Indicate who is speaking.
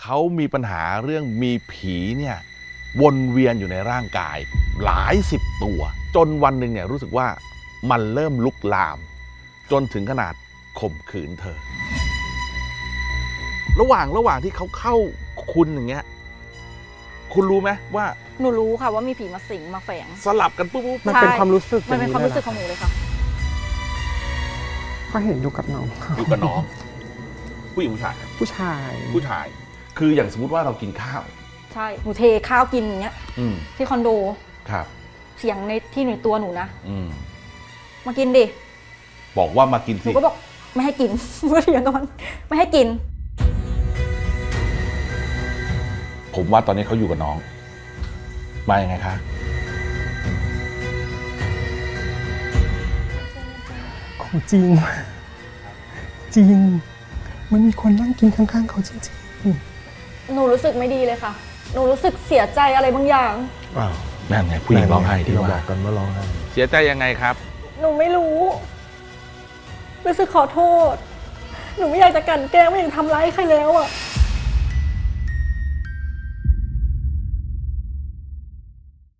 Speaker 1: เขามีปัญหาเรื่องมีผีเนี่ยวนเวียนอยู่ในร่างกายหลายสิบตัวจนวันหนึ่งเนี่ยรู้สึกว่ามันเริ่มลุกลามจนถึงขนาดข่มขืนเธอระหว่างที่เขาเข้าคุณอย่างเงี้ยคุณรู้ไหมว่า
Speaker 2: หนูรู้ค่ะว่ามีผีมาสิงมาแฝง
Speaker 1: สลับกันปุ๊บ
Speaker 3: มันเป็นความรู้สึก
Speaker 2: มันเป็นความรู้สึกของหนูเลยค่ะ
Speaker 3: ก็เห็นอยู่กับน้อง
Speaker 1: อยู่กับน้องผู้หญิงผู้ชาย
Speaker 3: ผู้ชาย
Speaker 1: ผู้ชาย คืออย่างสมมติว่าเรากินข้าว
Speaker 2: ใช่หนูเทข้าวกินอย่างเงี้ย
Speaker 1: อืม
Speaker 2: ที่คอนโด
Speaker 1: ครับ
Speaker 2: เสียงในที่หนูตัวหนูนะ
Speaker 1: อืม
Speaker 2: มากินดิ
Speaker 1: บอกว่ามากิน
Speaker 2: ห
Speaker 1: สิ
Speaker 2: นูก็บอกไม่ให้กิน ก็เถียงกันไม่ให้กิน
Speaker 1: ผมว่าตอนนี้เขาอยู่กับน้อง มายังไงคะ
Speaker 3: ของจริง จริง มันมีคนนั่งกินข้างๆเขาจริง
Speaker 2: หนูรู้สึกไม่ดีเลยค่ะ หนูรู้สึกเสียใจอะไรบางอย่าง
Speaker 1: อ้าวนั่นไงผู้หญิงร้องไห้ที่
Speaker 4: เรา
Speaker 1: ว่า
Speaker 4: บอกกันว่าร้องไห้
Speaker 1: เสียใจยังไงครับ
Speaker 2: หนูไม่รู้ รู้สึกขอโทษ หนูไม่อยากจะกลั่นแกล้งไม่อยากทำร้ายใครแล้วอ่ะ